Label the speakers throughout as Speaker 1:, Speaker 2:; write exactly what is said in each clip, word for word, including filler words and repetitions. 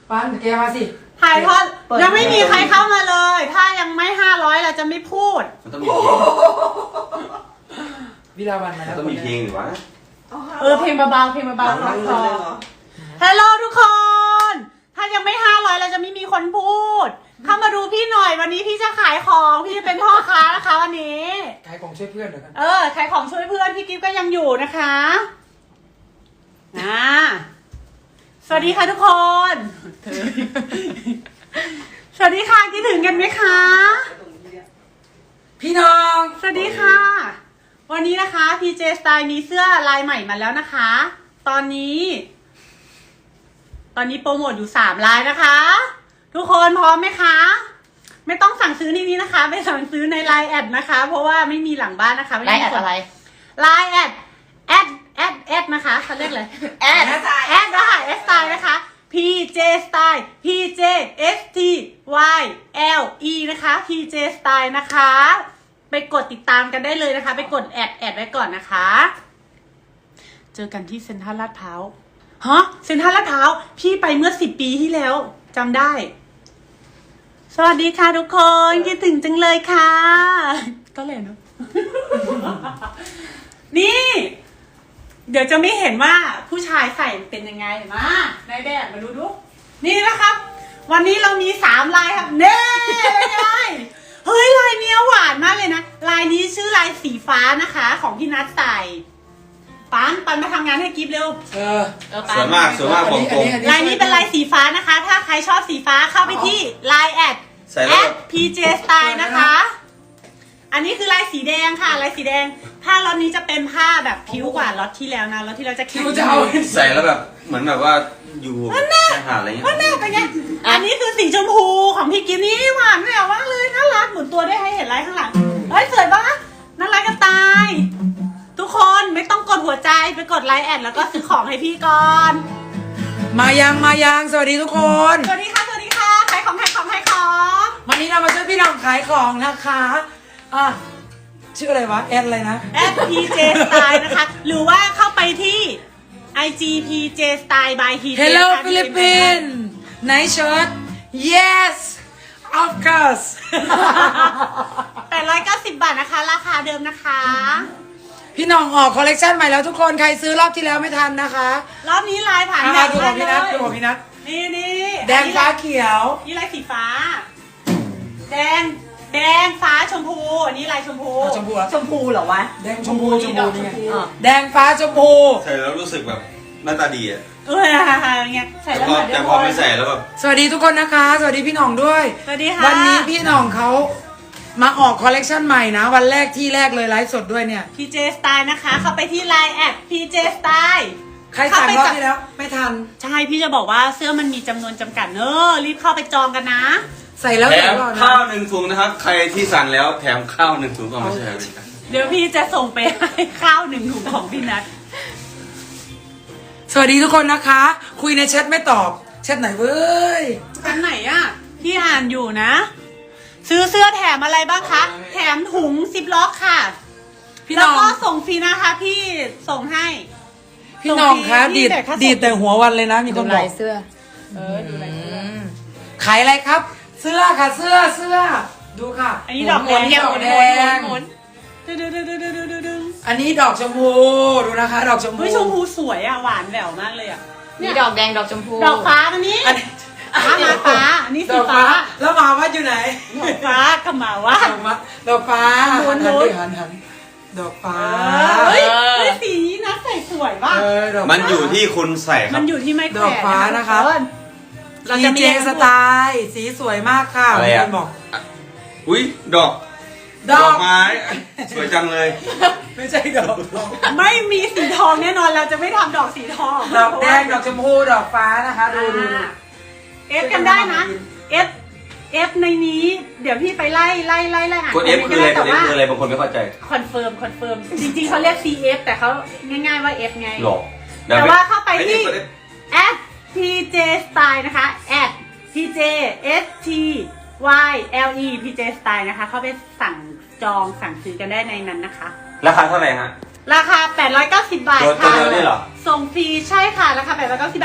Speaker 1: ปันแกมาสิ
Speaker 2: ถ่ายทอดยังไม่มีใครเข้ามาเลย ถ้ายังไม่ห้าร้อยเราจะไม่พูด
Speaker 3: มันต้องมีเพลง
Speaker 1: วิลาวันมาแล้ว
Speaker 3: ต้องมีเพลงหรือวะ
Speaker 2: เออเพลงเบาๆเพลงเบาๆร้องคอฮัลโหลทุกคน ถ้ายังไม่ห้าร้อยเราจะไม่มีคนพูดเข้ามาดูพี่หน่อยวันนี้พี่จะขายของพี่จะเป็นพ่อค้านะคะวันนี้
Speaker 1: ขายของช่วยเพื่อนเหรอครับ
Speaker 2: เออขายของช่วยเพื่อนพี่กิ๊ฟก็ยังอยู่นะคะนะสวัสดีค่ะทุกคนสวัสดีค่ะคิดถึงกันไหมคะ
Speaker 1: พี่น้อง
Speaker 2: สวัสดีค่ะวันนี้นะคะ พี เจ Style มีเสื้อลายใหม่มาแล้วนะคะ ตอนนี้ ตอนนี้โปรโมทอยู่สามลายนะคะ ทุกคนพร้อมไหมคะไม่ต้องสั่งซื้อในนี้นะคะไปสั่งซื้อในไลน์แอดนะคะเพราะว่าไม่มีหลังบ้านนะคะ
Speaker 4: ไลน์แอดอะไร
Speaker 2: ไลน์แอดแอดแอดแอดนะคะเขาเรียกเลยแอดแอดนะคะแอดสไตล์นะคะ พี เจ Style พี เจ เอส ที วาย แอล อี นะคะ พี เจ Style นะคะไปกดติดตามกันได้เลยนะคะไปกดแอดแอดไว้ก่อนนะคะเจอกันที่เซ็นทรัลลาดพร้าวฮะเซ็นทรัลลาดพร้าวพี่ไปเมื่อสิบปีที่แล้วจำได้สวัสดีค่ะทุกคนคิดถึงจังเลยค่ะก็เลยเนาะ นี่เดี๋ยวจะไม่เห็นว่าผู้ชายใส่เป็นยังไงมาในแบบมาดูดูนี่นะครับวันนี้เรามีสามลายครับเน่เป็นไงเฮ้ยลายเนี้ยหวานมากเลยนะลายนี้ชื่อลายสีฟ้านะคะของพี่นัทใส่ปันปันมาทำงานให้กิฟเร็ว
Speaker 1: เออ
Speaker 3: สวยมากสวยมากบอกตรง
Speaker 2: ลายนี้เป็นลายสีฟ้านะคะถ้าใครชอบสีฟ้าเข้าไปที่ไลน์แอดแอด พี เจ Style นะคะอันนี้คือลายสีแดงค่ะลายสีแดงผ้าล็อตนี้จะเป็นผ้าแบบผิวกว่าล็อตที่แล้วนะล็อตที่เราจะคิ้ว
Speaker 1: จะเอา
Speaker 3: ใส่แล้วแบบเหมือนแบบว่าอยู่แค่หาอะไรเงี้ย
Speaker 2: ว่าแน่เป็นไงอันนี้คือสีชมพูของพี่กิฟนี่หวานแหววมากเลยน่ารักหมุนตัวได้ให้เห็นลายข้างหลังเฮ้ยสวยปะน่ารักกันตายทุกคนไม่ต้องกดหัวใจไปกดไลน์แอดแล้วก็ซื้อของให้พี่ก่อน
Speaker 1: มายังมายังสวัสดีทุกคน
Speaker 2: สวัสดีค่ะสวัสดีค่ะขายของขายของขายของ
Speaker 1: วันนี้เรามาช่วยพี่น้องขายของนะคะอ่ะชื่ออะไรวะแอดอะไรนะ
Speaker 2: แอด พี เจ Style นะคะหรือว่าเข้าไปที่ ไอ จี พี เจ Style by พี เจ
Speaker 1: Hello Philippines Nice shirt Yes of course
Speaker 2: แปดร้อยเก้าสิบบาทนะคะราคาเดิมนะคะ
Speaker 1: พี่น้องออกคอลเลกชันใหม่แล้วทุกคนใครซื้อรอบที่แล้วไม่ทันนะคะ
Speaker 2: รอบนี้ลายผ่าน
Speaker 1: มาดูของพี่นัทดูของพี่นัท
Speaker 2: นี่นี่
Speaker 1: แดงฟ้าเขียว
Speaker 2: นี่ลายสีฟ้าแดงแดงฟ้าชมพูอันนี้ลายชมพู
Speaker 1: ชมพู
Speaker 4: ชมพูเหรอวะ
Speaker 1: แดงชมพูชมพูนี่ไงแดงฟ้าชมพู
Speaker 3: ใส่แล้วรู้สึกแบบหน้าตาดีอ่ะ
Speaker 2: เออเงี้ยใส่แล้ว
Speaker 3: แต่พอไม่ใส่แล้วแบบ
Speaker 1: สวัสดีทุกคนนะคะสวัสดีพี่หน่องด้วย
Speaker 2: สวัสดีค่ะ
Speaker 1: วันนี้พี่หน่องเขามาออกคอลเลกชันใหม่นะวันแรกที่แรกเลยไลฟ์สดด้วยเนี่ย
Speaker 2: พี เจ Style นะคะเข้าไปที่ไลน์แอด พี เจ Style
Speaker 1: ใครสั่งรอบที่แล้วไม่ทัน
Speaker 2: ใช่พี่จะบอกว่าเสื้อมันมีจำนวนจำกัดเนอะรีบเข้าไปจองกันนะ
Speaker 1: ใส่แล้ว
Speaker 3: แถมข้าวหนึ่งถุงนะครับใครที่สั่งแล้วแถมข้าวหนึ่งถุงก็ไม่ใช่ไหม
Speaker 2: เดี๋ยวพี่จะส่งไปให้ข้าวหนึ่งถุงของพี่นัท
Speaker 1: สวัสดีทุกคนนะคะคุยในแชทไม่ตอบแชทไหนเว้ย
Speaker 2: แชทไหนอ่ะพี่อ่านอยู่นะซื้อเสื้อแถมอะไรบ้างคะแถมถุงซิปล็อกค่ะพี่น้องแล้วก็ส่งฟรีนะคะพี่ส่งให้
Speaker 1: พี่น้องคะดีดดีดแต่หัววันเลยนะมีคนบอก
Speaker 4: เสื้อ
Speaker 2: เออดูลายเสื้อ
Speaker 1: ขายอะไรครับเสื้อค่ะเสื้อเสื้อดูค่ะ
Speaker 2: อันนี้ดอกแดง
Speaker 1: ดอกแดงอันนี้ดอกชมพูดูนะคะดอกชมพู
Speaker 2: ชมพูสวยอ่ะหวานแหววมากเลยอ่ะ
Speaker 4: นี่ดอกแดงดอกชมพู
Speaker 2: ดอกฟ้าอันนี้ฟ้ามาฟ้าอันนี้สีฟ้า
Speaker 1: แล้วมาว่าอยู่ไหน
Speaker 2: ดอกฟ้ากับมาว่า
Speaker 1: ดอกฟ้า
Speaker 2: หัน
Speaker 1: หันหันดอกฟ้า
Speaker 2: เฮ้ยสีนี้นะใส่สวยป่ะ
Speaker 3: มันอยู่ที่คุณใส่ครับ
Speaker 2: มันอยู่ที่ไม้แขวน
Speaker 1: ดอกฟ้านะคะเราจะมีสไตล์สีสวยมากค่ะ
Speaker 3: อะไรอ่ะบอกอุ้ยดอกดอกไม้สวยจังเลย
Speaker 1: ไม่ใช่ดอก
Speaker 2: ไม่มีสีทองแน่นอนเราจะไม่ทำดอกสีทอง
Speaker 1: ดอกแดงดอกชมพูดอกฟ้านะคะดูดู
Speaker 2: เอฟกันได้นะเอฟเอฟในนี้เดี๋ยวพี่ไปไล่ไล่ไล่ไล่อ่าน
Speaker 3: กดเอฟคืออะไรกดเอฟคืออะไรบางคนไม่เข้าใจ
Speaker 2: คอนเฟิร์มคอนเฟิร์มจริงๆเขาเรียก ซี เอฟ แต่เขาง่ายๆว่า F ไง
Speaker 3: หรอ
Speaker 2: แต่ว่าเข้าไปที่ แอด พี เจ Style นะคะ แอด พี เจ เอส ที วาย แอล อี พี เจ Style นะคะเข้าไปสั่งจองสั่งซื้อกันได้ในนั้นนะคะ
Speaker 3: ราคาเท่าไหร่ฮะ
Speaker 2: ราคาแปดร้อยเก้าสิบบาท
Speaker 3: ค่ะตัวเดียวนี่เหรอ
Speaker 2: ส่งฟรีใช่ค่ะราคาแปดร้อยเก้าสิบบาท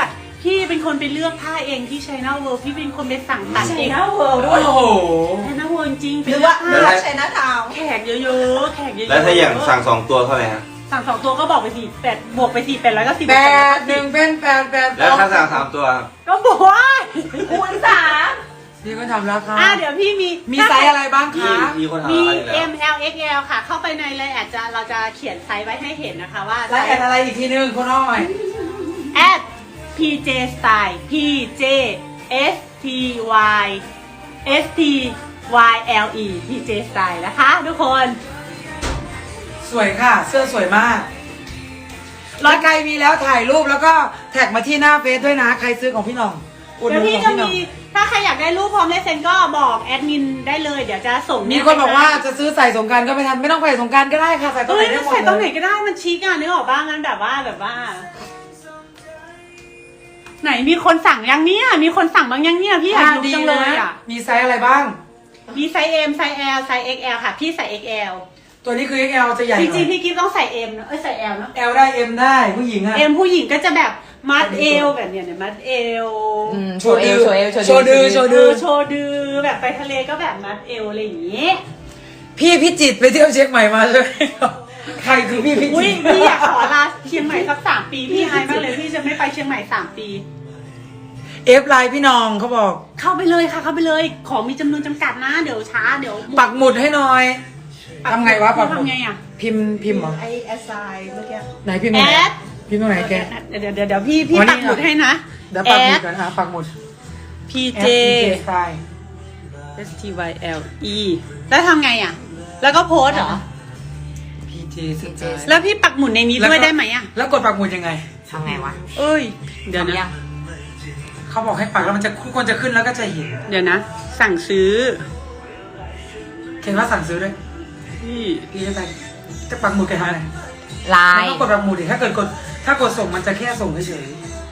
Speaker 2: พี่เป็นคนไปเลือกผ้าเองที่ China World พี่เป็นคนไปสั่งตัด
Speaker 4: ใช่
Speaker 2: เอง
Speaker 4: นะเวิร์ด้
Speaker 1: โอ้
Speaker 4: วย
Speaker 1: โห
Speaker 2: China World จริงๆ
Speaker 4: หรือว่า
Speaker 2: ไป
Speaker 4: หรือ
Speaker 2: เลือก
Speaker 4: ว่า
Speaker 2: ผ้า
Speaker 4: ใช้หน้าทาว
Speaker 2: แขกเยอะๆแขกเยอะๆ
Speaker 3: แล้วถ้าอย่างสั่งสองตัวเท่าไหร่ฮะ
Speaker 2: สั่งสองตัวก็บอกไปสี่แปดบวกไปสี่แปดร้อยก็สิบ
Speaker 1: แปดหนึ่งเป็นแปดแปด
Speaker 3: แล้วถ้าสั่งสามตัวครับ
Speaker 2: ก็บอกว่า
Speaker 4: คูณสาม
Speaker 1: พี่ก็ทำราคา
Speaker 2: อ่ะเดี๋ยวพี่มี
Speaker 1: มีไซส์อะไรบ้าง
Speaker 3: มี
Speaker 1: คะ
Speaker 3: มีคนถาม
Speaker 2: มี
Speaker 3: อะไรแล้ว
Speaker 2: M L X L ค่ะ เข้าไปในเลยอาจจะเราจะเขียนไซส์ไว้ให้เห็นนะคะว่า
Speaker 1: แล้วแอดอะไรอีกทีนึงคุณอ้อย
Speaker 2: at พี เจ style พี เจ S T Y S T Y L E พี เจ style นะคะทุกคน
Speaker 1: สวยค่ะ เสื้อสวยมากร้อยใครมีแล้วถ่ายรูปแล้วก็แท็กมาที่หน้าเฟซด้วยนะ ใครซื้อของพี่หน้องอุดห
Speaker 2: เดี๋ยว
Speaker 1: นุน
Speaker 2: พี่
Speaker 1: ของ
Speaker 2: จะ
Speaker 1: พี่หน้อง
Speaker 2: มีถ้าใครอยากได้รูปพร้อมลายเซ็นก็บอกแอดมินได้เลยเดี๋ยวจะส่ง
Speaker 1: มีคนบอกว่าจะซื้อใส่สงกรารก็ไม่ทันไม่ต้องใส่สงกรารก็ได้ค่ะใส่ตรง
Speaker 2: เอ้
Speaker 1: ไหน
Speaker 2: ย
Speaker 1: ได้
Speaker 2: มัน
Speaker 1: หมด
Speaker 2: ใส่ตรงไหน
Speaker 1: เลย
Speaker 2: ก็ได้มันชิคอ่ะนึกออกบ้างงั้นแบบว่าแบบว่า ไหนมีคนสั่งยังเนี่ยมีคนสั่งบ้างยังเนี่ยพี่อยากรู้จังเลยอ่ะ
Speaker 1: มีไซส์อะไรบ้าง
Speaker 2: มีไซส์ M ไซส์ L ไซส์ เอ็กซ์ แอล ค่ะพี่ใส่ เอ็กซ์ แอล
Speaker 1: ตัวนี้คือ เอ็กซ์ แอล จะใหญ่ห
Speaker 2: จ
Speaker 1: น่
Speaker 2: ริง
Speaker 1: อย
Speaker 2: ๆพี่กิฟต้องใส่ M เนอะเอ้ยใส่ L เนาะ
Speaker 1: L ได้ M ได้ผู้หญิงอะ
Speaker 2: M ผู้หญิงก็จะแบบมัดเอวแบบเนี้ยเนี่ยมัดเอว
Speaker 4: โชว์เอวโชว์เอว
Speaker 1: โชว์ดือโชว์
Speaker 2: เอ
Speaker 1: ดือ
Speaker 2: อโชว์ดือแบบไปทะเลก็แบบมัดเอวอะไรอย่างงี้
Speaker 1: พี่พิจิตรไปเที่ยวเชียงใหม่มาใช่ไหมใครคือพี่พิ
Speaker 2: อุ้
Speaker 1: จิ
Speaker 2: ย
Speaker 1: ตร
Speaker 2: พี่อยากขอลาเชียงใหม่สักสามปีพี่อายมากเลยพี่จะไม่ไปเชียงใหม่สามปี
Speaker 1: เอฟไลน์พี่น้องเขาบอก
Speaker 2: เข้าไปเลยค่ะเข้าไปเลยของมีจำนวนจำกัดนะเดี๋ยวช้าเดี๋ยว
Speaker 1: ปักหมุดให้หน่อยทำไงวะปักหมุด
Speaker 2: ทำไงอ่ะ
Speaker 1: พิมพ์พิมพ์เหรอ
Speaker 4: ไอเอสไอเมื่อกี้
Speaker 1: ไหนพิมพ์ตร
Speaker 2: แอง
Speaker 1: ไหน
Speaker 2: ด
Speaker 1: พิมพ์ตรงไหนแก
Speaker 2: เดี๋ยวเดี๋ยวเดี๋ยวพี่พี่
Speaker 1: วันนี้
Speaker 2: ปักหมุดให้นะ
Speaker 1: เดี๋ยวปักหมุดกันอ่ะปักหมุด
Speaker 2: พี
Speaker 1: แอ
Speaker 2: เจ
Speaker 1: ป สไตล์
Speaker 2: S T Y L E แล้วทำไงอ่ะ แล้วก็โพสต์เหรอ
Speaker 1: พีเจสไตล์
Speaker 2: แล้วพี่ปักหมุดในนี้ด้วยได้ไหมอ่ะ
Speaker 1: แล้วกดปักหมุดยังไง
Speaker 4: ทำไงวะ
Speaker 2: เอ้ย เดี๋ยว
Speaker 4: ทำยั
Speaker 2: นะ
Speaker 4: ง
Speaker 1: เขาบอกให้ปักแล้วมันจะทุกคนจะขึ้นแล้วก็จะเห็น
Speaker 2: เดี๋ยวนะ สั่งซื้อ
Speaker 1: เขียนว่าสั่งซื้อด้วย
Speaker 2: พี่
Speaker 1: พี่จะไปจะปักหมุดแกทำอะไร
Speaker 4: ลา
Speaker 1: ไม่
Speaker 4: ย
Speaker 1: ต้องกดปักหมุดดิถ้าเกิดกดถ้ากดส่งมันจะแค่ส่งเฉย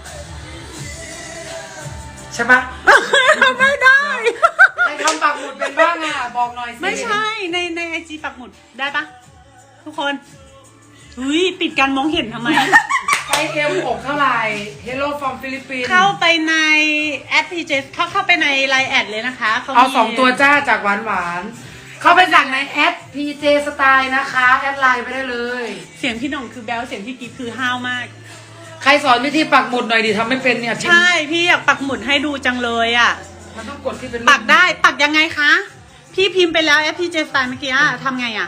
Speaker 1: ๆใช่ปะ
Speaker 2: ไม่ได้
Speaker 1: ใครทำปักหมุดเป็นบ้างอ่ะบอกหน่อยสิ
Speaker 2: ไม่ใช่ในในไอจีปักหมุดได้ปะทุกคนอุ้ยปิดการมองเห็นทำไม
Speaker 1: ไซส์เอ็มหกเท่าไหร่ Hello from Philippines
Speaker 2: เข้าไปในแอดพีเจเข้าเข้าไปในไลน์แอดเลยนะคะมี
Speaker 1: เอาสองตัวจ้าจากหวานหวานๆเข้าไปสั่งในแอด พี เจ Style นะคะ แอดไลน์ไปได้เลย
Speaker 2: เสียงพี่หน่องคือแบลเสียงพี่กิ๊ฟคือห้าวมาก
Speaker 1: ใครสอนวิธีปักหมุดหน่อยดิทำไม่เป็นเนี่ย
Speaker 2: ใช่พี่อยากปักหมุดให้ดูจังเลยอ่ะ
Speaker 1: มันต้องกดที่เป็น
Speaker 2: ปักได้ปักยังไงคะ พี่พิมพ์ไปแล้วแอปพีเจสไตล์เมื่อกี้อะทำไงอ่ะ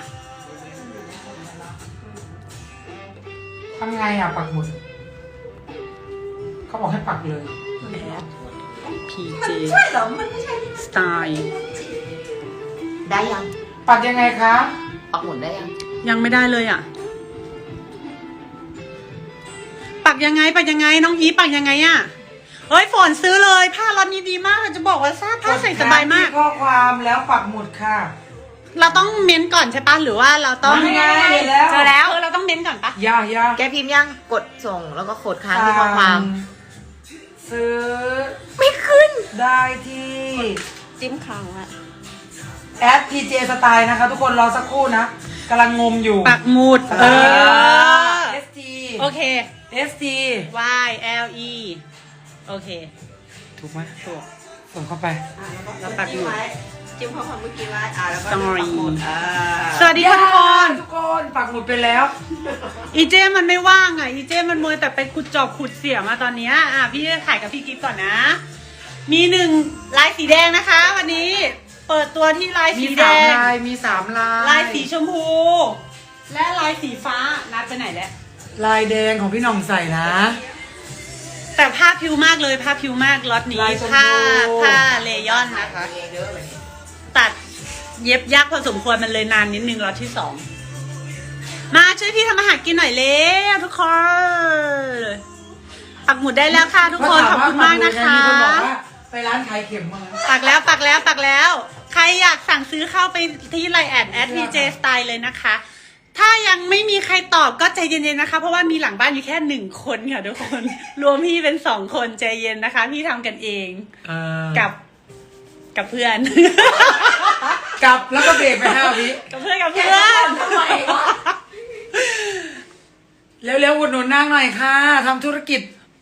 Speaker 1: ทำไงอ่ะปักหมุดเขาบอกให้ปักเลย
Speaker 2: พีเจ
Speaker 4: ใช่เหรอ มันไม่ใช่
Speaker 2: สไตล์
Speaker 4: ได้ยัง
Speaker 1: ปักยังไงคะ
Speaker 4: ปักหมุดได้ยัง
Speaker 2: ยังไม่ได้เลยอ่ะ ปักยังไงปักยังไงน้องอีปักยังไงอ่ะเฮ้ยฝนซื้อเลยผ้าร้อนนี้ดีมากจะบอกว่าซาผ้าใส่สบายมาก
Speaker 1: ดที่ข้อความแล้วปักหมุดค่ะ
Speaker 2: เราต้องเม้นก่อนใช่ปะหรือว่าเราต้อง
Speaker 1: ไม่ไงแล้ว
Speaker 4: เจอแล้ว
Speaker 2: เออเราต้องเม้นก่อนปะ
Speaker 1: ย่าย่า
Speaker 4: แกพิมพ์ยังกดส่งแล้วก็กดค้างที่ข้อความ
Speaker 1: ซื้อ
Speaker 4: ไม่ขึ้น
Speaker 1: ได้ที่
Speaker 4: จิ้มค้างอะ
Speaker 1: แอด พี เจ Style นะคะ ทุกคนรอสักครู่นะกำลังงมอยู่
Speaker 2: ปักหมุดเออ
Speaker 1: เอส ที
Speaker 2: โอเค
Speaker 1: เอส ที
Speaker 2: Y L E โอเค
Speaker 1: ถูกไหมถูกส่งเข้าไป
Speaker 2: แล้วปักหมุด
Speaker 4: จิ้มข้อความเมื่อกี้ไว้อ่าแล้วก็
Speaker 2: Story
Speaker 4: ปักหมุดอ่า
Speaker 2: สวัสดีค่ะทุกคน
Speaker 1: ทุกคนปักหมุดไปแล้ว
Speaker 2: อีเจมันไม่ว่างอ่ะ อีเจมันมัวแต่ไปขุดจอบขุดเสียมาตอนเนี้ยอ่ะพี่จะถ่ายกับพี่กิฟต์ก่อนนะ มีหนึ่งลายสีแดงนะคะ วันนี้เปิดตัวที่ลาย
Speaker 1: มี
Speaker 2: สีแด
Speaker 1: สาม
Speaker 2: ง
Speaker 1: ลาย มีสามลาย
Speaker 2: ลายสีชมพู และลายสีฟ้านัดไปไหนแล้ว
Speaker 1: ลายแดงของพี่หน่องใส่นะ
Speaker 2: แต่ผ้าพิวมากเลยผ้าพิวมากล็อตนี้
Speaker 1: ลายชมพู
Speaker 2: ผ้าผ้าเลยอนนะคะ ตัดเย็บยากพอสมควรมันเลยนานนิดนึงล็อตที่สองมาช่วยพี่ทำอาหารกินหน่อยเร็วทุกคนปักหมุดได้แล้วค่ะทุกคนขอบคุณมากนะคะ
Speaker 1: มีคนบอกว่าไปร้านขายเข็มมาแล้ว
Speaker 2: ปักแล้วปักแล้วปักแล้ว ใครอยากสั่งซื้อเข้าไปที่ไลน์แอดแอดพีเจสไตล์เลยนะคะ ถ้ายังไม่มีใครตอบก็ใจเย็นๆนะคะ เพราะว่ามีหลังบ้านอยู่แค่หนึ่งคนค่ะทุกคน รวมพี่เป็นสองคนใจเย็นนะคะ พี่ทำกันเอง
Speaker 1: เออ
Speaker 2: กับกับเพื่อน
Speaker 1: กลับแล้วก็เบรกไปห้าวิ
Speaker 2: กับเพื่อนกับเพื่อน
Speaker 4: ทำไมวะ
Speaker 1: เร็วๆอุดหนุนนางหน่อยค่ะทำธุรกิจ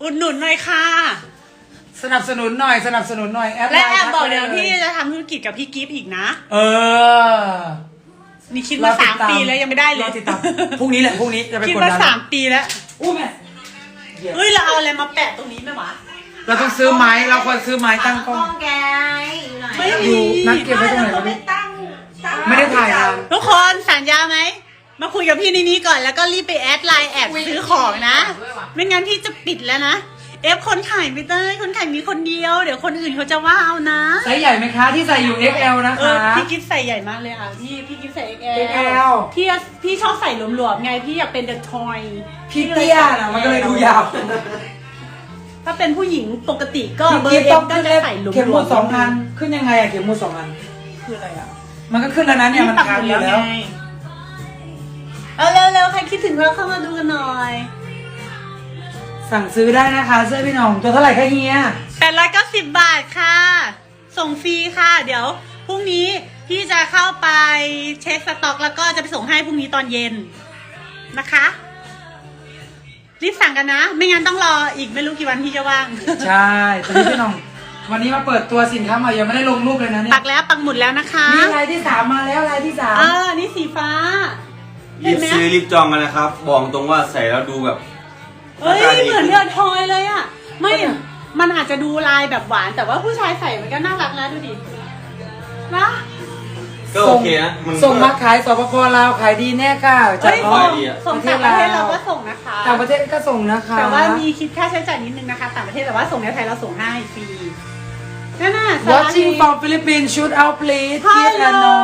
Speaker 2: อุดหนุนหน่อยค่ะ
Speaker 1: สนับสนุนหน่อยสนับสนุนหน่อยแอดไล
Speaker 2: และ
Speaker 1: น์
Speaker 2: แอบบอก
Speaker 1: ทั
Speaker 2: เดี๋ยว
Speaker 1: ไปล
Speaker 2: พี่จะทำธุรกิจกับพี่กิฟต์อีกนะ
Speaker 1: เออ
Speaker 2: นี่คิดมาสามปีแล้วยังไม่ได้เลย
Speaker 1: รอติดตามพรุ่งนี้แหละพรุ่งนี้จะไป
Speaker 2: คิด
Speaker 1: กด
Speaker 2: มา
Speaker 1: ดัน
Speaker 2: สามปีแล้ว
Speaker 1: อู้แม่
Speaker 2: เฮ้ยเราเอาอะไรมาแปะตรงนี้ไหมวะ
Speaker 1: เราต้องซื้อไม้เราควรซื้อไม้ตั้งกล้อง
Speaker 4: แกอยู่ไหน
Speaker 2: ไม่
Speaker 1: อยู่
Speaker 2: มี
Speaker 1: นัดเก็บไว้ตรงไหน
Speaker 4: เรา
Speaker 1: วะ
Speaker 4: ไม่
Speaker 1: พี่
Speaker 4: ตั้งตั้ง
Speaker 1: ไม่ได้ถ่ายนาน
Speaker 2: ทุกคนสัญญาไหมมาคุยกับพี่ในนี้ก่อนแล้วก็รีบไปแอดไลน์แอดซื้อของนะ ไม่งั้นพี่จะปิดแล้วนะเอฟคนขายไม่ได้คนขายมีคนเดียว เดี๋ยวคนอื่นเขาจะว่าเอานะ
Speaker 1: ไซส์ใหญ่ไหมคะที่ใส่อยู่ เอ็กซ์ แอล นะ
Speaker 2: เอ
Speaker 1: คะ
Speaker 2: อพี่กิฟใส่ใหญ่มากเลยอ่ะพี่พี่กิฟใส่ เอ็กซ์ แอล
Speaker 1: เอ็กซ์ แอล
Speaker 2: พี่พี่ชอบใส่หลวมๆไงพี่อยากเป็นเดอะทอย
Speaker 1: พี่เตี้ยนะมันก็เลยดูยาว
Speaker 2: ถ้าเป็นผู้หญิงปกติก็
Speaker 1: พี่
Speaker 2: เบอ
Speaker 1: กิ๊บ
Speaker 2: ร์เอ็
Speaker 1: ต้อ
Speaker 2: ม
Speaker 1: ง
Speaker 2: ก็
Speaker 1: ขึ้น
Speaker 2: จะ
Speaker 1: เล็บ
Speaker 2: ใส่หลวมๆ
Speaker 1: เข็มหมุดสองอันขึ้นยังไงอะเข็มหมุดสองอัน
Speaker 2: คืออะไรอ่ะ
Speaker 1: มันก็ขึ้นแล้วนะเนี่ยมัน
Speaker 2: ปัก
Speaker 1: ค้าง
Speaker 2: หมุด
Speaker 1: อยู่
Speaker 2: แล้ว
Speaker 1: แล้ว
Speaker 2: ไงเอาเร็วๆใครคิดถึงเราเข้ามาดูกันหน่อย
Speaker 1: สั่งซื้อได้นะคะเสื้อพี่หน้องตัวเท่าไหร่คะเฮีย
Speaker 2: แปดร้อยเก้าสิบบาทค่ะ ส่งฟรีค่ะ เดี๋ยวพรุ่งนี้พี่จะเข้าไปเช็คสต็อกแล้วก็จะไปส่งให้พรุ่งนี้ตอนเย็นนะคะ รีบสั่งกันนะ ไม่งั้นต้องรออีกไม่รู้กี่วันพี่จะว่าง
Speaker 1: ใช่ตอนนี้พี่หน้อง วันนี้มาเปิดตัวสินค้าใหม่ยังไม่ได้ลงรูปเลยนะเนี่ย
Speaker 2: ปักแล้วปักหมุดแล้วนะคะ
Speaker 1: นี่ลายที่สามมาแล้วลายที่สาม
Speaker 2: เออนี่สีฟ้า
Speaker 3: รีบซื้อรีบจองกันนะครับ บอกตรงว่าใส่แล้วดูแบบ
Speaker 2: เฮ้ย
Speaker 3: หน้าตาดี
Speaker 2: เหมือนเดือดทอยเลยอ่ะ ไม่ มันอาจจะดูลายแบบหวาน แต่ว่าผู้ชายใส่มันก็น่ารักนะดูดินะ
Speaker 3: ก็โอเคนะมัน
Speaker 1: ส่งมาขายสปปลาวขายดีแน่ค่ะจา
Speaker 2: เฮ้
Speaker 1: ก
Speaker 2: ย
Speaker 1: อ๋อ
Speaker 2: ส่ง
Speaker 3: ดีอะ
Speaker 2: ส่งต่างประเทศเราก็ส่งนะคะ
Speaker 1: ต่างประเทศก็ส่งนะคะ
Speaker 2: แต่ว่ามีคิดค่าใช้จ่ายนิดนึงนะคะ ต่างประเทศแต่ว่าส่งในไทยเราส่งให้ฟรีนั่นน่ะสารา
Speaker 1: Watching from Philippines shoot out please kiss and no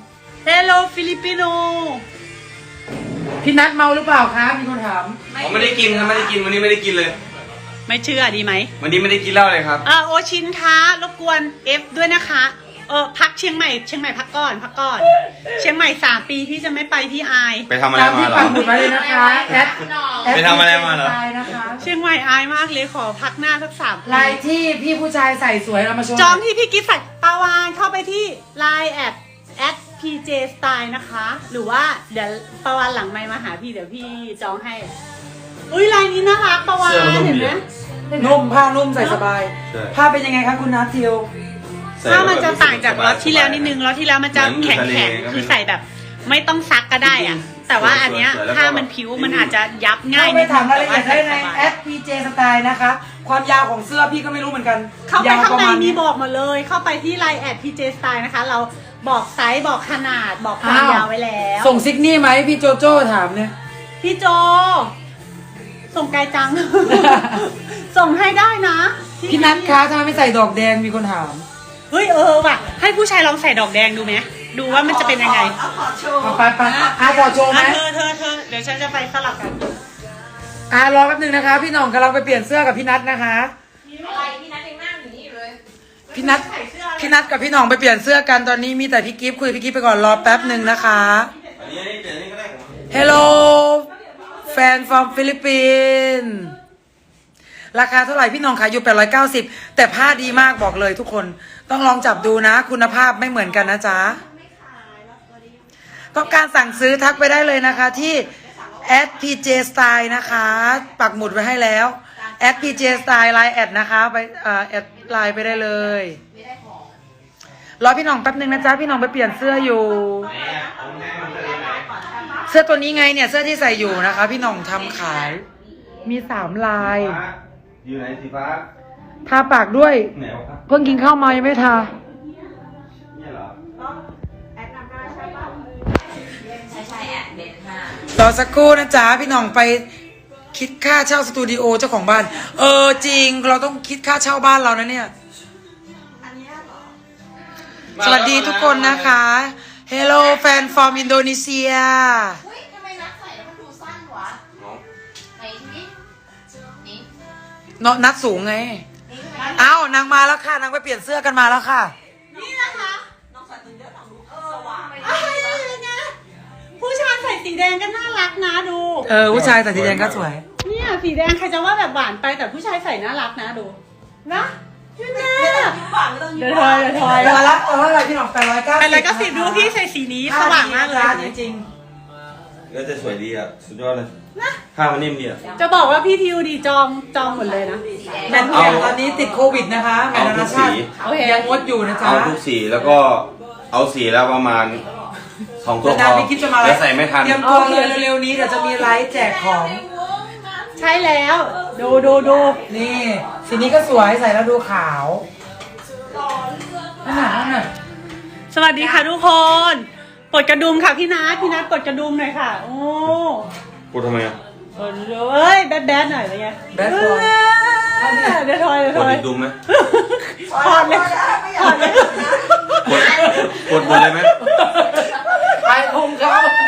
Speaker 2: Hello Filipino
Speaker 1: พี่นัทเมาหรือเปล่าคะมีคนถาม
Speaker 3: ผมไม่ได้กินครับไม่ได้กินวันนี้ไม่ได้กินเลย
Speaker 2: ไม่เชื่อดีไหม
Speaker 3: วันนี้ไม่ได้กินเหล้าเลยครับ
Speaker 2: เออโอชินคะรบกวน F ด้วยนะคะ เออพักเชียงใหม่เชียงใหม่พักก่อนพักก่อน เชียงใหม่สามปีพี่จะไม่ไปพี่อาย
Speaker 3: ไปทำอะไร
Speaker 1: ตาม
Speaker 3: มา
Speaker 1: ที่
Speaker 3: เหรอ
Speaker 1: ปักหมุดไว้เลยนะคะแอดแอด
Speaker 3: ไปทำอะไรมาเหรอ
Speaker 1: ลายนะคะ
Speaker 2: เชียงใหม่อายมากเลยขอพักหน้าสักสามปี
Speaker 1: ลายที่พี่ผู้ชายใส่สวยเรามาโชว์
Speaker 2: จองที่พี่กิฟต์ใส่ปาวานเข้าไปที่ ไลน์ แอด แอด พี เจ Style นะคะ หรือว่าเดี๋ยวปาวานหลังไมค์มาหาพี่เดี๋ยวพี่จองให้ อุ้ยลายนี้น่ารักปาวาน
Speaker 3: เสื้อมันนุ่ม
Speaker 2: เห็น
Speaker 3: ดี
Speaker 2: ไหม
Speaker 3: อะ
Speaker 1: นุ่มผ้านุ่มใส่สบาย
Speaker 3: ใช่
Speaker 1: ผ้าเป็นยังไงคะคุณนัททิว
Speaker 3: ใส่
Speaker 2: ถ้า
Speaker 3: แล้ว
Speaker 2: มันจะ
Speaker 3: แบบ
Speaker 2: ต่างจากล็อตที่แล้วนิดนึงล็อตที่แล้วมันจะ
Speaker 3: เหมือนอยู่
Speaker 2: แข็ง
Speaker 3: ทะเล
Speaker 2: แข็ง
Speaker 3: ก็ไม่
Speaker 2: คือใส่แบบ ไม่ต้องซักก็ได้อะแต่ว่าอันเนี้ย
Speaker 3: สวยๆแล้วก็
Speaker 2: ถ้ามันผิวมันอาจจะยับง่าย
Speaker 1: เข้าไป
Speaker 2: นิด
Speaker 1: ถาม
Speaker 2: นึง
Speaker 1: รายละเอียดได้ใน
Speaker 2: สบาย
Speaker 1: แอด พี เจ Style นะคะ ความยาวของเสื้อพี่ก็ไม่รู้เหมือนกัน
Speaker 2: เข้าไป
Speaker 1: ยาว
Speaker 2: ข้าง
Speaker 1: ประ
Speaker 2: ใน
Speaker 1: มาณ
Speaker 2: มี
Speaker 1: นี้
Speaker 2: บอกมาเลย เข้าไปที่ ไลน์ แอด พี เจ Style นะคะ เราบอกไซส์บอกขนาดบอกความยาวไว้แล้ว
Speaker 1: ส่งซิกนี่ไหมพี่โจโจ้ถามเนี่ย
Speaker 2: พี่โจ ส่งไกลจัง ส่งให้ได้นะ
Speaker 1: พี่นัทคะทำไมไม่ใส่ดอกแดงมีคนถาม
Speaker 2: เฮ้ยเออว่ะ ให้ผู้ชายลองใส่ดอกแดงดูไหมดูว่ามันจะเป็นยังไง
Speaker 4: เอาขอโชว์
Speaker 1: ไปไปๆอาขอโชว์ไหม
Speaker 2: อ่ะเธอเธอเธอเดี๋ยวฉันจะไปสลับกัน
Speaker 1: อารอแป๊บนึงนะคะ พี่หน่องกำลังไปเปลี่ยนเสื้อกับพี่นัทนะคะ
Speaker 4: อะไรพี่นัทยังนั่งอยู่นี่อยู่เลย
Speaker 1: พี่นัทพี่นัทกับพี่หน่องไปเปลี่ยนเสื้อกันตอนนี้มีแต่พี่กิฟต์คุยพี่กิฟต์ไปก่อนรอแป๊บหนึ่งนะคะ
Speaker 3: อันนี้อันนี้เดี๋ยวนี้ก็ได้ผม
Speaker 1: Hello แฟน from ฟิลิปปินส์ราคาเท่าไหร่พี่หน้องขายอยู่แปดร้อยเก้าสิบแต่ผ้าดีมากบอกเลยทุกคนต้องลองจับดูนะ คุณภาพไม่เหมือนกันนะจ๊ะต้องการสั่งซื้อทักไปได้เลยนะคะที่ แอด พี เจ Style นะคะ ปักหมุดไว้ให้แล้ว แอด พี เจ Style ไลน์แอดนะคะไปเอ่อแอดไลน์ไปได้เลยรอพี่หน้องแป๊บนึงนะจ๊ะพี่หน้องไปเปลี่ยนเสื้ออยู่ เสื้อตัวนี้ไงเนี่ยเสื้อที่ใส่อยู่นะคะ พี่หน้องทำขายมีสามลาย
Speaker 3: อยู่ไหนสีฟ้า
Speaker 1: ทาปากด้วย
Speaker 3: ไหนวะครับ
Speaker 1: เพิ่งกินข้าวมายังไม่ทา
Speaker 3: เนี่ยเหรอ
Speaker 4: ใช่ใช่แอดเบนห้าร
Speaker 1: อสักครู่นะจ๊ะพี่หน้องไปคิดค่าเช่าสตูดิโอเจ้าของบ้าน เออจริงเราต้องคิดค่าเช่าบ้านเรานะเนี่ย
Speaker 4: อันนี้เหรอ
Speaker 1: สวัสดีทุกคนนะคะ Hello แฟน from อินโดนีเซีย
Speaker 4: เฮ้ยทำไมนัทใส่แล้วมันดูสั้นวะไหนนี่นี่
Speaker 1: เนาะนัดสูงไง เอ้านางมาแล้วค่ะนางไปเปลี่ยนเสื้อกันมาแล้วค่ะ
Speaker 2: นี่นะคะ
Speaker 4: น้องใส่ตึงเยอะหนังดูสว่าง
Speaker 2: อะไรนะผู้ชายใส่สีแดงก็น่ารักนะดู
Speaker 1: เออผู้ชายแต่สีแดงก็สวย
Speaker 2: เนี่ยสีแดงใครจะว่าแบบหวานไปแต่ผู้ชายใส่น่ารักนะดูนะพี่แม่
Speaker 4: ยิ้มหวานไม่ต้องยิ้
Speaker 2: เดี๋ย
Speaker 4: ม
Speaker 2: ว
Speaker 4: ห
Speaker 2: ท
Speaker 4: วา
Speaker 2: อน ยเดี๋ยวทอย
Speaker 1: เออละเอออะไรพี่หน้องแปดร้อยเก้าสิบ
Speaker 2: อะไรก็สิบดูพี่ใส่สีนี้สว่างมากเลย
Speaker 1: จริง
Speaker 3: แล้วจะสวยดีอ่ะสุดยอดเลยผ้ามันนิ่มดีอ่ะ
Speaker 2: จะบอกว่าพี่ทิวดีจองจองหมดเลยนะ
Speaker 1: แมนทุกอย่างตอนนี้ติดโควิดนะคะแมนนานาชาติ
Speaker 2: เอาทุกสี
Speaker 1: ยังงดอยู่นะจ๊ะ
Speaker 3: เอาทุกสีแล้วก็เอาสีแล้วประมาณสองตัวพ
Speaker 1: นาน
Speaker 3: อ
Speaker 1: ๆพี่คิดจะมาไล
Speaker 3: แล้ว
Speaker 1: ฟ์
Speaker 3: ใส่ไม่ทัน
Speaker 1: เตรียมตัวเลยเร็วๆนี้เดี๋ยวจะมีไลฟ์แจกของ
Speaker 2: ใช่แล้ว ดูดูดู
Speaker 1: นี่สีนี้ก็สวยใส่แล้วดูขาวนั่นน่ะนั่นน่ะ
Speaker 2: สวัสดีค่ะทุกคนปลดกระดุมค่ะพี่นัทพี่นัทปลดกระดุมหน่อยค่ะ โอ้
Speaker 3: พูดทำไมอ่ะ
Speaker 2: เออดูเอ้ยแบดแบดหน่อยอะไรเงี้ย
Speaker 1: แบดบอย
Speaker 2: เดี๋ยวทอยเดี๋ยว
Speaker 3: ก
Speaker 2: ท
Speaker 3: ด
Speaker 2: อย
Speaker 3: อีกดุมไหม
Speaker 2: ถอดเลยถอดเลย
Speaker 3: กดกดหมดเลยไหม
Speaker 1: ไปพุงเขา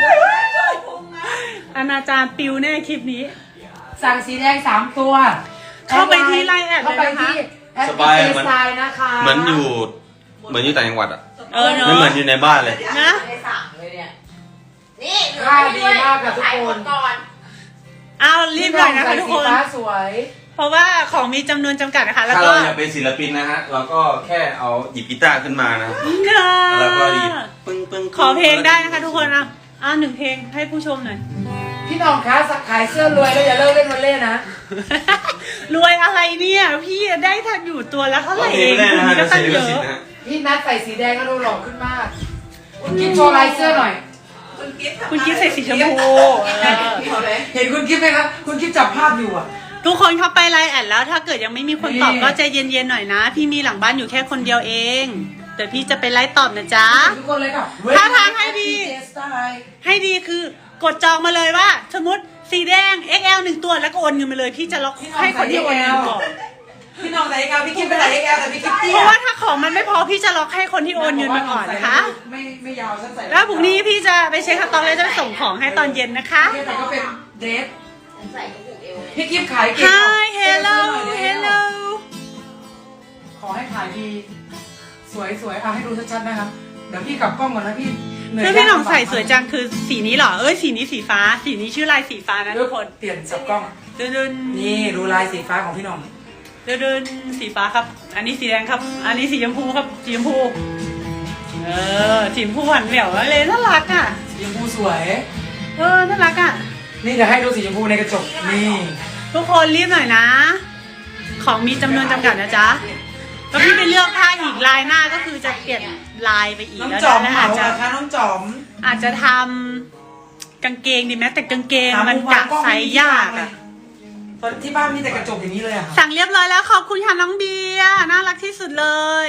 Speaker 2: อนาจารปิวแน่คลิปนี้
Speaker 1: สั่งสีแดงสามตัว
Speaker 2: เข้าไปที่ไลน์แอด
Speaker 1: เข้าไป
Speaker 2: เลยนะคะ
Speaker 1: ที่แอด
Speaker 3: สบาย
Speaker 1: เจ
Speaker 3: เหมือน
Speaker 1: สไตล์นะคะ
Speaker 3: เหมือนอยู่เหมือนอยู่ต่างจังหวัดอ่ะ
Speaker 2: เออเนาะ
Speaker 3: ไม่เหมือนอยู่ในบ้านเลย
Speaker 2: นะ
Speaker 4: ไม่สั่งเลยเนี่ย นี่
Speaker 1: ผ้าดีมากค่ะทุกคน
Speaker 4: ก่อน
Speaker 2: เอารีบหน่อยนะคะทุกคน
Speaker 1: ใส่สีฟ้าสวย
Speaker 2: เพราะว่าของมีจำนวนจำกัดนะคะ แล้ว
Speaker 3: ถ้า
Speaker 2: ก็
Speaker 3: เราอยากเป็นศิลปินนะฮะ เราก็แค่เอาหยิบกีตาร์ขึ้นมานะ
Speaker 2: ค่ะ
Speaker 3: แล้วก็หยิบปึ้งปึ้ง
Speaker 2: ขอเพลงได้นะคะทุกคนอ่ะอ่ะหนึ่งเพลงให้ผู้ชมหน่อย
Speaker 1: พี่น้องคะสักขายเสื้อรวยแล้วอย่าเลิกเล่นวันเล่นนะ
Speaker 2: รวยอะไรเนี่ยพี่ได้ทันอยู่ตัวแล้วเท่าไห
Speaker 3: ร้อ
Speaker 2: ร่
Speaker 3: งเพล
Speaker 2: เอง ง
Speaker 3: ไม่ได้นะฮะ
Speaker 2: ก็
Speaker 3: เดี๋ยว
Speaker 2: ตั้
Speaker 3: เสี
Speaker 2: ง
Speaker 3: ยลิ
Speaker 2: เย
Speaker 3: ขสิท
Speaker 2: อะ
Speaker 3: ธิ์นะฮะ
Speaker 1: พี่นัทใส่สีแดงก็ดูหล่อขึ้นมากคุณกิ๊ฟโชว์ลายเสื้อหน่อย
Speaker 2: คุณกิ๊ฟใส่สีชมพูเออ
Speaker 1: เห็นคุณกิ๊ฟไหมครับ คุณกิ๊ฟจับภาพอยู่อ่ะ
Speaker 2: ทุกคนเข้าไปไลน์แอดแล้วถ้าเกิดยังไม่มีคนตอบ
Speaker 1: นี่
Speaker 2: ก็ใจเย็นๆหน่อยนะ พี่มีหลังบ้านอยู่แค่คนเดียวเองเดี๋ยวพี่จะไปไลฟ์ตอบนะจ๊ะ
Speaker 1: ทุกคนเลยค่ะ
Speaker 2: ท่าทางให้ดี
Speaker 1: เจสไตล์
Speaker 2: ให้ดีคือกดจองมาเลยว่า สมมติสีแดง เอ็กซ์ แอล หนึ่งตัวแล้วก็โอนเงินมาเลยพี่จะล็อกให้คนที่โอนเงินก่อน
Speaker 1: พี่น้องใส่เอ็กซ์แอลพี่กิ๊ฟไปใส่เอ็กซ์แอลแต่พี่กิ๊ฟเตี้
Speaker 2: เพ
Speaker 1: ย
Speaker 2: ราะว่าถ้าของมันไม่พอพี่จะล็อกให้คนที่โอนเงินมาก่อนนะคะ
Speaker 1: ไม่ไม่ยาวฉันใส่
Speaker 2: แล้วพรุ่งนี้พี่จะไปเช็คสต็อกแล้วจะไปส่งของให้ตอนเย็นนะคะ
Speaker 1: แต่ก็เป็นเดรส
Speaker 4: ฉันใส่กระปุกเอว
Speaker 1: พี่กิ๊ฟขายเก่ง
Speaker 2: Hi hello hello
Speaker 1: ขอให้ขายดี สวยสวยเอาให้ดูชัดๆนะครับ เดี๋ยวพี่กลับกล้องก่อนนะพี่เหนื่อย
Speaker 2: เสื้อพี่หน้องใส่สวยจังคือสีนี้เหรอ เอ้ยสีนี้สีฟ้า สีนี้ชื่อลายสีฟ้านะ
Speaker 1: เดี๋
Speaker 2: ทุ
Speaker 1: ยว
Speaker 2: กคน
Speaker 1: เปลี่ยนสับกล้อง
Speaker 2: เดินเดิน
Speaker 1: นี่ดูลายสีฟ้าของพี่น้อง
Speaker 2: เดินเดินสีฟ้าครับ อันนี้สีแดงครับ อันนี้สีชมพูครับสีชมพูเออสีชมพูหวานแหววเลยน่ารักอ่ะ
Speaker 1: สีชมพูสวย
Speaker 2: เออน่ารักอ่ะ
Speaker 1: นี่เดี๋ยวให้ดูสีชมพูในกระจก นี่
Speaker 2: ทุกคนรีบหน่อยนะ ของมีจำนวนจำกัดนะจ๊ะแล้วพี่ไปเลือกผ้าอีกลายหน้าก็คือจะเปลี่ยนลายไปอีก
Speaker 1: น้อง
Speaker 2: แล้ว
Speaker 1: จอม
Speaker 2: นะ
Speaker 1: เหมา
Speaker 2: อาจจะ
Speaker 1: เหรอคะน้องจอม
Speaker 2: อาจจะทำกางเกงดีไหมแต่กางเกง
Speaker 1: หา
Speaker 2: มัน
Speaker 1: มุ
Speaker 2: กะ
Speaker 1: วางล้อง
Speaker 2: ไซส์ยากอะ
Speaker 1: ตอนที่บ้านมีแต่กระจกอย่างนี้เลยอะค่ะ
Speaker 2: สั่งเรียบร้อยแล้วขอบคุณค่ะน้องเบียร์น่ารักที่สุดเลย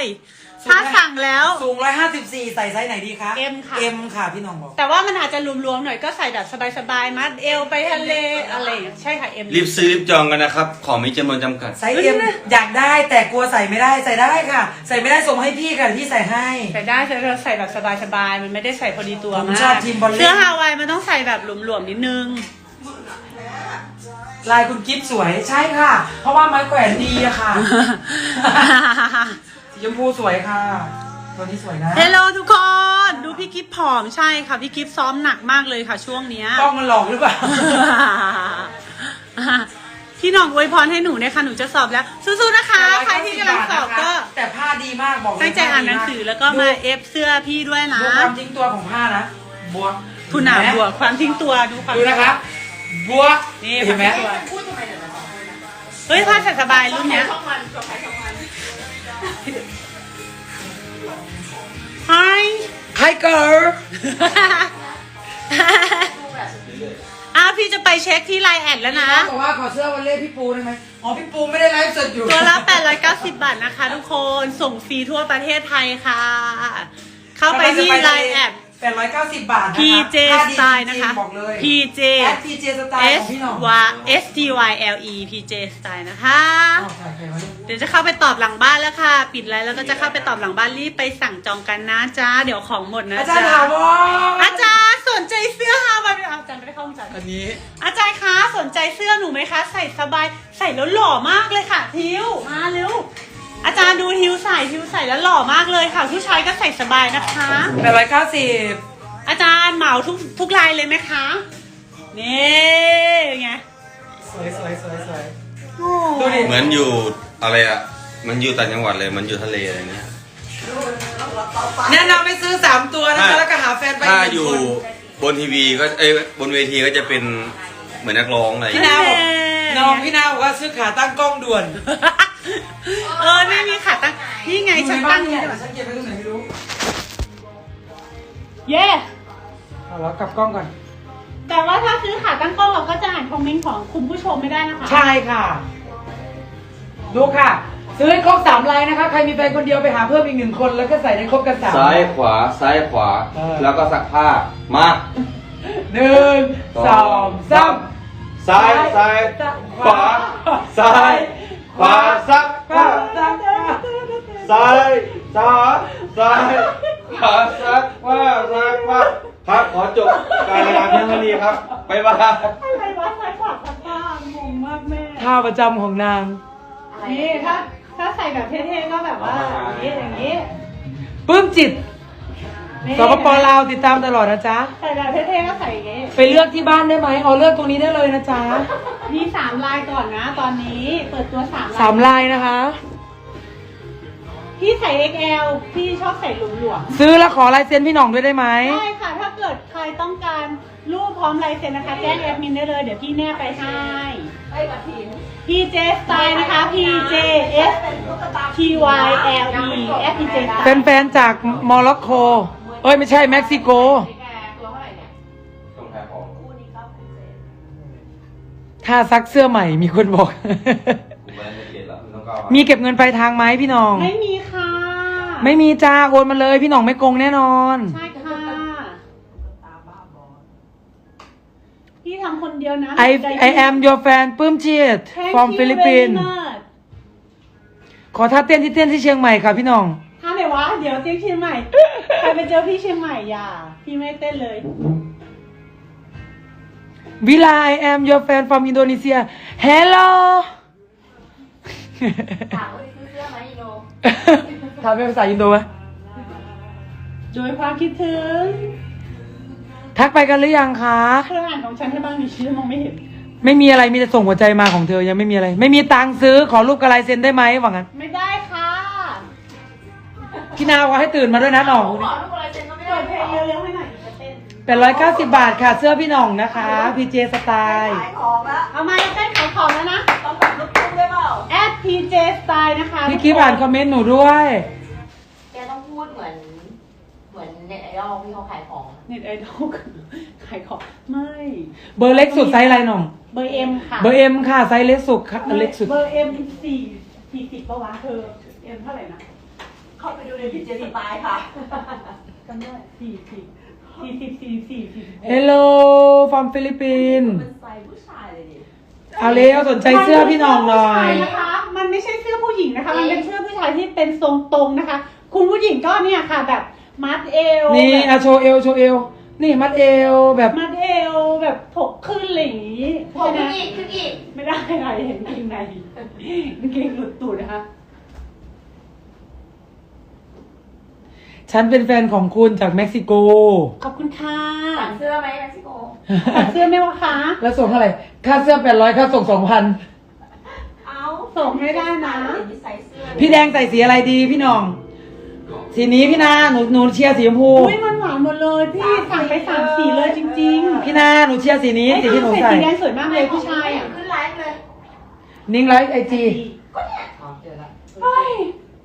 Speaker 1: สูง
Speaker 2: ถ้า
Speaker 1: ไหม
Speaker 2: สั่งแล้ว
Speaker 1: สูงร้อยห้าสิบสี่ใส่ไซส์ไหนดีคะ
Speaker 2: M ค่ะ
Speaker 1: เอ็มค่ะพี่น้องบอก
Speaker 2: แต่ว่ามันอาจจะรวมๆหน่อยก็ใส่แบบสบายๆมัดเอวไปทะเลอะไรอย่างเงี้ยใช่ค่ะ M
Speaker 3: รีบซื้อรีบจองกันนะครับ ของมีจำนวนจำกัด
Speaker 1: ไซส์เอ็มอยากได้แต่กลัวใส่ไม่ได้ใส่ได้ค่ะ ใส่ไม่ได้ส่งมาให้พี่ค่ะเดี๋ยวพี่ใส่ให้
Speaker 2: ใส่ได้แต่เราใส่แบบสบายๆมันไม่ได้ใส่พอดีตัว
Speaker 1: ผม
Speaker 2: มาก
Speaker 1: ชอบทีมบอลเล่น
Speaker 2: เสื้อฮาวายมันต้องใส่แบบหลวมๆนิดนึง
Speaker 1: ลายคุณกิฟต์สวยใช่ค่ะ เพราะว่าไม้แขวนดีอะค่ะ สีชมพูสวยค่ะ ตัวนี้สวยนะ
Speaker 2: เฮลโลทุกคน ดูพี่กิฟผอมใช่ค่ะ พี่กิฟซ้อมหนักมากเลยค่ะช่วงเนี้ย
Speaker 1: กล้องมันหลอกหรือเปล่า
Speaker 2: พี่หน้องอวยพรให้หนูเนี่ยค่ะหนูจะสอบแล้วสู้ๆนะคะ ใครที่กำลังสอบก็
Speaker 1: แต่ผ้าดีมากบอกเลย
Speaker 2: ตั้งใจอ่านหนังสือแล้วก็มาเอฟเสื้อพี่ด้วยนะ
Speaker 1: ดูความทิ้งตัวของผ้านะบวก
Speaker 2: คุณหนาบวกความทิ้งตัวดูความ
Speaker 1: ดูนะครับบวก
Speaker 2: นี่
Speaker 1: เห็นไหม
Speaker 2: ความทิ้งตัว
Speaker 4: พูดทำไมเดี๋ยวเราสองคนนะ
Speaker 2: เฮ้ยผ้าใส่สบายรุ่นเนี้ย
Speaker 4: ช่องมันช่องใครช่องมัน
Speaker 2: Hi
Speaker 1: ไฮเกิร์ล
Speaker 2: อ้าวพี่จะไปเช็คที่ไลน์แอดแล้วนะ
Speaker 1: บอกว่าขอเสื้อวันเล่พี่ปูได้ไหมอ๋อพี่ปูไม่ได้ไลฟ์สดอยู่
Speaker 2: ตัวละแปดร้อยเก้าสิบบาทนะคะทุกคนส่งฟรีทั่วประเทศไทยค่ะ เข้าไปที่ไลน์แอด
Speaker 1: แปดร้อยเก้าสิบบาทนะคะ
Speaker 2: พี เจ
Speaker 1: ผ้าดี
Speaker 2: Style
Speaker 1: จริงๆ
Speaker 2: นะคะ
Speaker 1: บอกเลย
Speaker 2: พี เจ
Speaker 1: แอด พี เจ Style ของ
Speaker 2: S
Speaker 1: พี่หน้อง
Speaker 2: Y S T Y L E พี เจ Style นะคะ
Speaker 1: อ้าวถ่ายใครไว้
Speaker 2: เดี๋ยวจะเข้าไปตอบหลังบ้านแล้วค่ะ ปิดไลน์แล้วก็จะเข้าไปตอบหลังบ้านรีบไปสั่งจองกันนะจ๊ะ เดี๋ยวของหมดนะ
Speaker 1: อาจารย์
Speaker 2: จ๊ะ
Speaker 1: ถาวร
Speaker 2: อาจารย์สนใจเสื้อฮาวายไหมอาจารย์ไม่ได้เข้าห้องจัด
Speaker 1: อันนี้
Speaker 2: อาจารย์คะสนใจเสื้อหนูไหมคะ ใส่สบายใส่แล้วหล่อมากเลยค่ะทิวมาเร็วอาจารย์ดูทิวใส่ทิวใส่แล้วหล่อมากเลยค่ะผู้ชายก็ใส่สบายนะคะ
Speaker 1: แปดร้อยเก้าสิบ
Speaker 2: อาจารย์เหมาทุกทุกลายเลยไหมคะนี่ไง
Speaker 1: สวยสวยสวยสวย
Speaker 2: โอ้
Speaker 1: ดูดิ
Speaker 3: เหมือนอยู่อะไรอ่ะ มันอยู่ต่างจังหวัดเลย มันอยู่ทะเลอะไรเงี้ย
Speaker 1: แนะนำให้ซื้อสามตัวนะคะ
Speaker 3: ถ้า
Speaker 1: แล้วก็หาแฟนไป
Speaker 3: ถ้า
Speaker 1: หนึ่ง
Speaker 3: อยู่
Speaker 1: คน
Speaker 3: บนทีวีก็เอ้ยบนเวทีก็จะเป็นเหมือนนักร้องอะไรอย่าง
Speaker 1: พี่
Speaker 3: เงี้ย
Speaker 1: นาบอกน้องพี่นาบอกว่าซื้อขาตั้งกล้องด่วน
Speaker 2: เออนี่มีขาตั้งนี่ไงฉันตั้ง
Speaker 1: เนี่
Speaker 2: เนี่ย ย
Speaker 1: ฉันเก็บไว้ตรงไหนไม่รู้
Speaker 2: เย่
Speaker 1: เอาแล้วกลับกล้องก่อน
Speaker 2: แต่ว่าถ้าซื้อขาตั้งกล้องเราก็จะอ่านคอมเมนต์ของคุณผู้ชมไม่ได้นะคะ
Speaker 1: ใช่ค่ะ ดูค่ะ ซื้อให้ครบสามลายนะคะ ใครมีแฟนคนเดียวไปหาเพิ่มอีกหนึ่งคนแล้วก็ใส่ได้ครบกันสาม
Speaker 3: ซ้ายขวาซ้ายขวา
Speaker 1: เออ
Speaker 3: แล้วก็ซักผ้ามา
Speaker 1: หนึ่งสองสาม
Speaker 3: ซ้ายซ้ายขวาซ้ายขวาซักผ้าซ้ายซ้ายซ้ายขวาซักผ้าซักผ้าครับขอจบการรายงานเพียงเท่านี้ครับบ๊ายบาย
Speaker 2: อะไรวะซ้ายขวาซ้ายขวางงมากแม่
Speaker 1: ท่าประจำของนาง
Speaker 2: นี่ถ้าถ้าใส่แบบเท่ๆก็แบบว่าอย่างนี้อย่างนี้
Speaker 1: ปลื้มจิต
Speaker 2: นี่
Speaker 1: สปปลาวติดตามตลอดนะจ๊ะ
Speaker 2: ใส่แบบเท่ๆก็ใส่อย่างนี้
Speaker 1: ไปเลือกที่บ้านได้ไหมเอาเลือกตรงนี้ได้เลยนะจ๊ะ
Speaker 2: มีสามลายก่อนนะ ตอนนี้เปิดตัวสามลาย
Speaker 1: สามลายนะคะ
Speaker 2: พี่ใส่ เอ็กซ์ แอล พี่ชอบใส่หลวม
Speaker 1: ซื้อแล้วขอลายเซ็นพี่หน่องด้วยได้ไหม
Speaker 2: ๆได้ค่ะ ถ้าเกิดใครต้องการรูปพร้อมลายเซ็นนะคะ แจ้งแอดมินได้เลย เดี๋ยวพี่แนบไปให้
Speaker 4: ไอ้กระถิน
Speaker 2: พี เจ Style นะคะ พี เจ เอส ที วาย แอล อี แอด พี เจ Style
Speaker 1: แฟนๆจากโมร็อกโกเอ้ยไม่ใช่เม็กซิโก
Speaker 4: แกตัวเท่าไหร่เนี่ย
Speaker 3: ต้องแพ้ของ
Speaker 4: คู่นี้เก้าพันเศษ
Speaker 1: ถ้าซักเสื้อใหม่มีคนบอก
Speaker 3: ผมไม่ได้เรียนแล้วไม่ต้องก้าว
Speaker 1: มีเก็บเงินปลายทางไหมพี่หน้อง
Speaker 2: ไม่มีค่ะ
Speaker 1: ไม่มีจ้าโอนมาเลยพี่หน่องไม่โกงแน่นอน
Speaker 2: ใช่ค่ะ พี่ทำคนเดียวนะ
Speaker 1: I I am your fan ปลื้มจิต
Speaker 2: Thank
Speaker 1: from
Speaker 2: you
Speaker 1: Philippines
Speaker 2: very much
Speaker 1: ขอท่าเต้นที่เต้นที่เชียงใหม่ค่ะพี่หน้อง
Speaker 2: ถ้าไหนวะ เดี๋ยวเจ๊เชียงใหม่ ใครไปเจอพี่เชียงใหม่อย่า พี่ไม่เต้นเลย
Speaker 1: วิลา I am your fan from Indonesia Hello
Speaker 4: ถามว่าซื้อเสื้อไหมอีโน
Speaker 1: ทำเป็นภาษาอินโดไหม
Speaker 2: โดยความคิดถึง
Speaker 1: ทักไปกันหรือยังคะ
Speaker 2: เพื่อนอ่านของฉันให้บ้างดิฉันมองไม่เห็น
Speaker 1: ไม่มีอะไรมีแต่ส่งหัวใจมาของเธอยังไม่มีอะไร ไม่มีตังค์ซื้อขอรูปกระลายเซ็นได้ไหมว่างั้น
Speaker 2: ไม่ได้ค่ะ
Speaker 1: พี่นาวว่าให้ตื่นมาด้วยนะหน่อง
Speaker 4: ขอลูกอะไรเซ็นก็ไม่
Speaker 2: เปิ
Speaker 4: ได้
Speaker 2: ดเพลงเร็วๆให้หน่อยจะเต้น
Speaker 1: เป็นร้อยเก้าสิบบาทค่ะ เสื้อพี่หน่องนะคะ พี เจ สไตล์
Speaker 4: ขายของละ
Speaker 2: เอามาเต้นขายของแล้วนะ
Speaker 4: ต้องแบบลูกทุ่งได้เปล่า
Speaker 2: แอด พี เจ Style นะคะ
Speaker 1: พี่กิ๊ฟอ่านคอมเมนต์หนูด้วย
Speaker 4: แกต้องพูดเหมือน เหมือนเน็ตไอดอลที่เขาขายของ
Speaker 2: เน็ตไอดอลขายของ ไม่
Speaker 1: เบอร์เล็กสุดไซส์อะไรหน่อง
Speaker 2: เบอร์เอ็มค่ะ
Speaker 1: เบอร์เอ็มค่ะไซส์เล็กสุดค่ะเล็กสุด
Speaker 2: เบอร์เอ็มสี่สี่สิบปะวะเธอเอ็มเท่าไหร่นะ
Speaker 4: เข้าไปดูในพิจิตรสไตล์ค่ะ
Speaker 2: จำได้สี่สิบสี่สิบสี่สี่สี่สิบ
Speaker 1: Hello from Philippines
Speaker 4: เป็นไซส์ผู้ชายเลยดิ
Speaker 1: เอาเร็วสนใจเสื้อพี่หน่องหน่อย
Speaker 2: นะคะ มันไม่ใช่เสื้อผู้หญิงนะคะ มันเป็นเสื้อผู้ชายที่เป็นทรงตรงนะคะ คุณผู้หญิงก็เนี่ยค่ะแบบมัดเอว
Speaker 1: นี่
Speaker 2: แบบ
Speaker 1: อะโชว์เอวโชว์เอว นี่มัดเอวแบบ
Speaker 2: มัดเอวแบบถกขึ้นอะไรอย่างนี้
Speaker 4: ผม
Speaker 2: ใช่ไหม
Speaker 4: ขึ้นอีกขึ้นอีก
Speaker 2: ไม่ได้ค่ะเห็นกางเกงในกางเกงหลุดตูดนะคะ
Speaker 1: ฉันเป็นแฟนของคุณจากเม็กซิโก
Speaker 2: ขอบคุณค่ะ
Speaker 4: สั่งเสื้อไหมเม็กซิโก
Speaker 2: ตัดเสื้อไหมวะคะ
Speaker 1: แล้วส่งเท่าไหร่ ค่าเสื้อแปดร้อยค่าส่งสองพัน
Speaker 4: เอา
Speaker 2: ส่งไม่ได้นะ
Speaker 4: เห็นที่ใส่เสื้อ
Speaker 1: พี่แดงใส่สีอะไรดีพี่หน่อง สีนี้พี่นาหนูหนูเชียร์สีชมพู
Speaker 2: อุ้ยมันหวานหมดเลยพี่สั่งไปสามสีเลยจริงๆ
Speaker 1: พี่นาหนูเชียร์สีนี้
Speaker 2: ไอ้
Speaker 1: สีที่หนู
Speaker 2: ใส่
Speaker 1: ใส่
Speaker 2: สีแดงสวยมากเลยผู้ชายอ่ะ
Speaker 4: ขึ้นไลฟ์เลย
Speaker 1: นิ้งไลฟ์ไอจี
Speaker 4: ก็เนี่ยอ๋อเจอละ
Speaker 2: เฮ้ย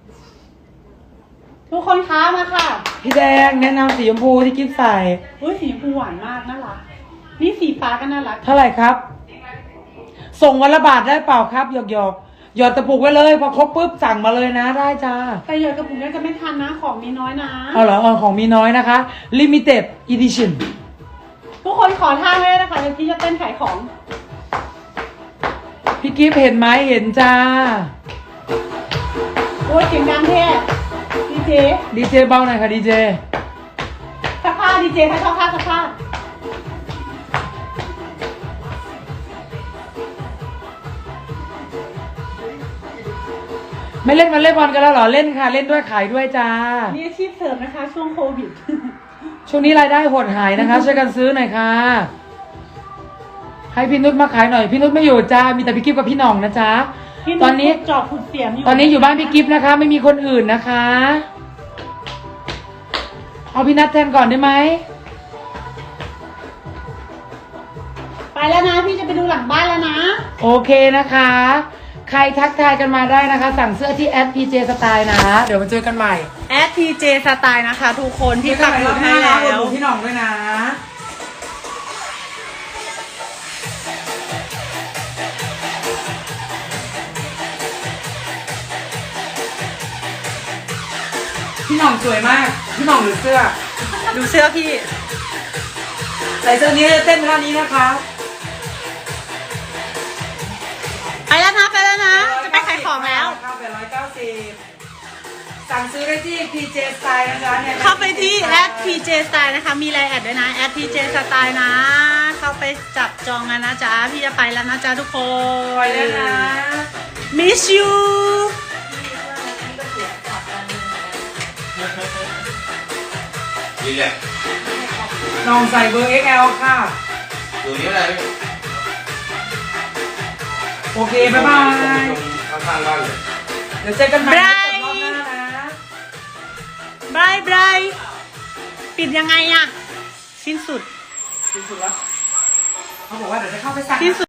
Speaker 2: ทุกคนค้ามาค่ะ
Speaker 1: พี่แดงแนะนำสีชมพูที่กิ๊ฟใส่
Speaker 2: อุ้ยสีชมพูหวานมากน่ารักนี่สีฟ้าก็น่ารัก
Speaker 1: เท่าไหร่ครับ ส่งวันละบาทได้เปล่าครับหยอกหยอกหยอดตะปุกไว้เลยพอครบปุ๊บสั่งมาเลยนะได้จ้า
Speaker 2: แต่หยอดกระปุกนี้จะไม่ทันนะของมีน้อยนะ
Speaker 1: เอาเหรอเออของมีน้อยนะคะ limited edition
Speaker 2: ทุกคนขอท่าให้นะคะเดี๋ยวพี่จะเต้นขายของ
Speaker 1: พี่กิฟเห็นไหมเห็นจ้า
Speaker 2: โอ้ยเสียงดังแท้ดีเจ
Speaker 1: ดีเจเบาหน่อยค่ะดีเจ
Speaker 2: สักผ้าดีเจให้ชอบผ้าสักผ้า
Speaker 1: ไม่เล่นมาเล่นบอลกันแล้วเหรอเล่นค่ะ เล่นด้วยขายด้วยจ้า
Speaker 2: นี่อาชีพเสริมนะคะ ช่วงโควิด
Speaker 1: ช่วงนี้รายได้หดหายนะคะ ช่วยกันซื้อหน่อยค่ะ ให้พี่นุชมาขายหน่อยพี่นุชไม่อยู่จ้ามีแต่พี่กิฟกับพี่หน่องนะจ๊ะ
Speaker 2: พี่
Speaker 1: ตอนนี้
Speaker 2: จอบขุดเสียมอยู่
Speaker 1: ตอนนี้อยู่บ้านพี่กิฟนะคะ ไม่มีคนอื่นนะคะ เอาพี่นัทแทนก่อนได้ไหม
Speaker 2: ไปแล้วนะพี่จะไปดูหลังบ้านแล้วนะ
Speaker 1: โอเคนะคะ ใครทักทายกันมาได้นะคะ สั่งเสื้อที่แอด พี เจ Style นะ เดี๋ยวมาเจอกันใหม่
Speaker 2: แอด พี เจ สไตล์นะคะ ทุกคนพี่ปักหมุดให้
Speaker 1: แล้
Speaker 2: แล้ว ว
Speaker 1: พี่หน่องด้วยนะ พี่หน่องสวยมาก พี่หน่องหรือเสื้อ
Speaker 2: ดูเสื้อพี่
Speaker 1: ใส่เสื้อนี้จะเต้นท่านี้นะคะ
Speaker 2: ไปแล้วนะไปแล้วนะ จะไปขายของแล้ว
Speaker 1: เข้าไปร้อยเก้าสิบสั่งซื้อได้ที่ พี เจ Style นะคะนี่ย
Speaker 2: เข้าไปที่แอด พี เจ Style นะคะ มีไลน์แอดด้วยนะแอด พี เจ Style นะ เข้าไปจับจองกันนะจ๊ะ พี่จะไปแล้วนะจ๊ะทุกค
Speaker 1: ไป
Speaker 2: น
Speaker 1: แล้วนะ
Speaker 2: miss you
Speaker 3: ดีเลย
Speaker 1: น้องใส่เบอร์ เอ็กซ์ แอล ค่ะ
Speaker 3: ดูนี้อะไรพี่
Speaker 1: โอเค บ๊ายบาย
Speaker 3: ข้างๆบ้านเลย
Speaker 1: เดี๋ยวเจอกันใหม่
Speaker 2: บ๊าย
Speaker 1: รอบหน้านะ
Speaker 2: บายบายปิดยังไงอะสิ้นสุด
Speaker 1: สิ้นสุดแล้ว เขาบอกว่าเดี๋ยวจะเข้าไปสั่ง
Speaker 2: สิ้นสุด